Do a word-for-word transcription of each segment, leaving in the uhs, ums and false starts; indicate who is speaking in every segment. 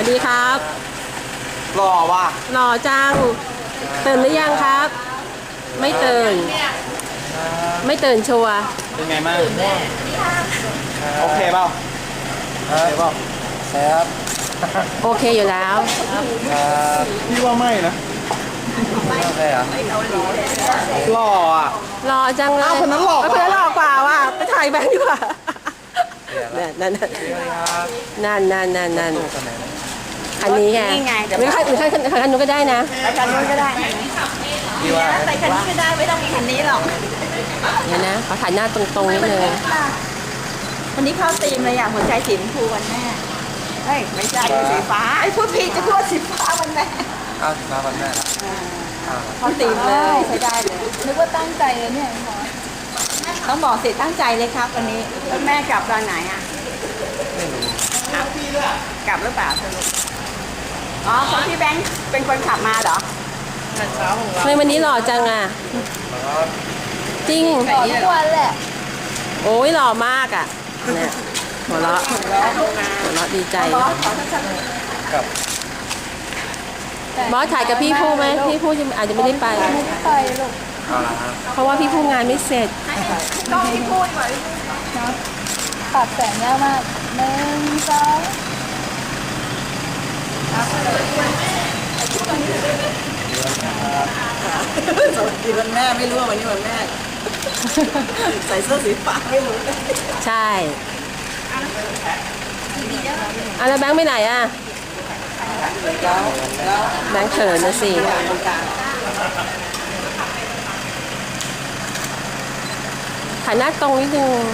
Speaker 1: วัสดีครับ
Speaker 2: หล่อว่ะ
Speaker 1: หล่อจังตื่นหรือยังครับ ไม่ตื่นไม่ตื่นชัวร์
Speaker 2: เป็นไงบ้างโอเคเปล่าโอเคเปล่า
Speaker 3: ครับ
Speaker 1: โอเคอยู่แล้ว
Speaker 2: พี่ว่าไม่นะ
Speaker 3: ไม่โอเคเหรอ
Speaker 2: หล่ออ่ะ
Speaker 1: หล่อจังเลย
Speaker 2: คนนั้นหล่อกว่า
Speaker 1: คนนั้นหล่อกว่าว่ะไปถ่ายแบงค์ดีกว่านั่นนั่นนั่นนั่นนั่นนั่นอันนี้ไงหรือใครหรือใครคันนู้นก็ได้นะ
Speaker 4: คันนู้นก็ได้
Speaker 3: พี่ว่า
Speaker 4: ใส่คันนี้ก็ได้ไม่ต้องมีคันนี้หรอก
Speaker 1: เดี๋ยวนะขอถ่ายหน้าตรงๆนิดนึง
Speaker 4: วันนี้เข้าธีมเลยอ่ะหัวใจสีชมพูวันแม่เฮ้ยไม่ใช่สีฟ้าไอ้พูดผิดจะพูดสีฟ้าวันแม่
Speaker 3: เอาสีฟ้าวันแม่ละ
Speaker 4: เข้าธีมเลยใช้ได้เลยนึกว่าตั้งใจเลยเนี่ยต้องบอกสิตั้งใจเลยครับวันนี้แล้วแม่กลับตอนไหนอ่ะ
Speaker 3: ไม่รู้
Speaker 4: กลับหรือเปล่าสรุปอ๋อคนที่แบงค์เป็นคนขับมาเหรอ
Speaker 1: ทำไมวันนี้หล่อจังอ่ะจริง
Speaker 4: หล่อทุกวันแหละ
Speaker 1: โอ้ยหล่อมากอ่ะเนี่ยหัวเราะหัวเราะดีใจ
Speaker 3: กับบ
Speaker 1: อสถ่ายกับพี่ผู้ไหมพี่ผู้อาจจะไม่ได้ไป
Speaker 4: ไปลูก
Speaker 1: เพราะว่าพี่ผู้งานไม่เสร็จ
Speaker 4: ต้องพี่พูดไว้ปรับแสงยากมากหนึ่งสองสวัสดีวันแม่ไม่รู้ว่าวันนี้วันแม่ใส่เสื้อสีฟ้าไม่รู้
Speaker 1: ใช่อะแล้วแบงค์ไปไหนอ่ะแบงค์เขินนะสิถ่ายหน้าตรงนิดนึง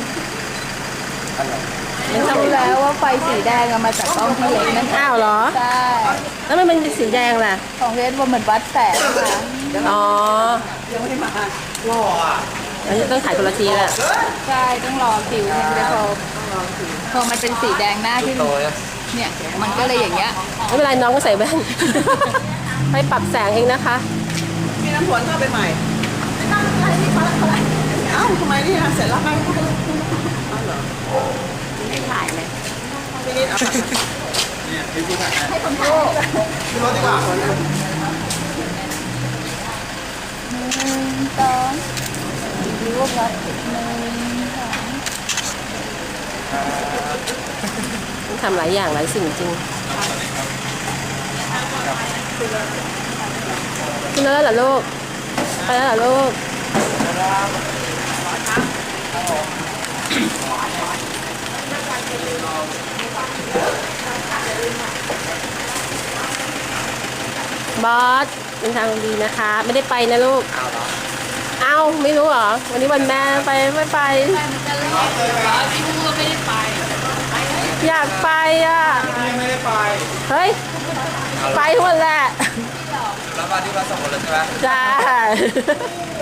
Speaker 4: มันรู้แล้วว่าไฟสีแดงมาจากกล้องที่เล็กนั่น
Speaker 1: อ้าวเหรอ
Speaker 4: ใช่
Speaker 1: แล้วมันเป็นสีแดงล่ะ
Speaker 4: ของเรนว่าเหมือนวัดแสง
Speaker 1: อ๋อ
Speaker 4: ยังไม่มา
Speaker 2: หล่ออ่ะ
Speaker 1: อันนี้ต้องถ่ายคนละทีแหละ
Speaker 4: ใช่ต้องรอคิวมันจะพอพอมันเป็นสีแดงหน้าที่เนี่ยมันก็เลยอย่างเงี้ย
Speaker 1: ไม่เป็นไรน้องก็ใส่แว่นให้ปรับแสงเองนะคะ
Speaker 4: มีน้ำฝนเข้าไปใหม่ไม่ต้องอะไรนี่เขาอะไรเอ้าทำไมนี่นะเสร็จแล้วไปไม่ถ่ายเลยพี่นิดเอา
Speaker 2: เนี่ยพี่พูดถ่าย
Speaker 4: ให้คนพูด
Speaker 2: พี่รถดีกว่า
Speaker 4: หนึ่งสองรูปรถหนึ่งสอง
Speaker 1: ต้องทำหลายอย่างหลายสิ่งจริงขึ้นแล้วเหรอลูกไปแล้วเหรอลูกบอสเป็นทางดีนะคะไม่ได้ไปนะลูกเอ้าไม่รู้เหรอวันนี้วันแม่ไปไม่ไป
Speaker 4: พี่พูดไม่ได้ไป
Speaker 1: อยากไปอ่ะ
Speaker 2: ไม่ได้ไป
Speaker 1: เฮ้ยไปทุกวันแหละ
Speaker 3: แล้วมาที่บ้านสองคนเลยใช่ไหม
Speaker 1: ใช่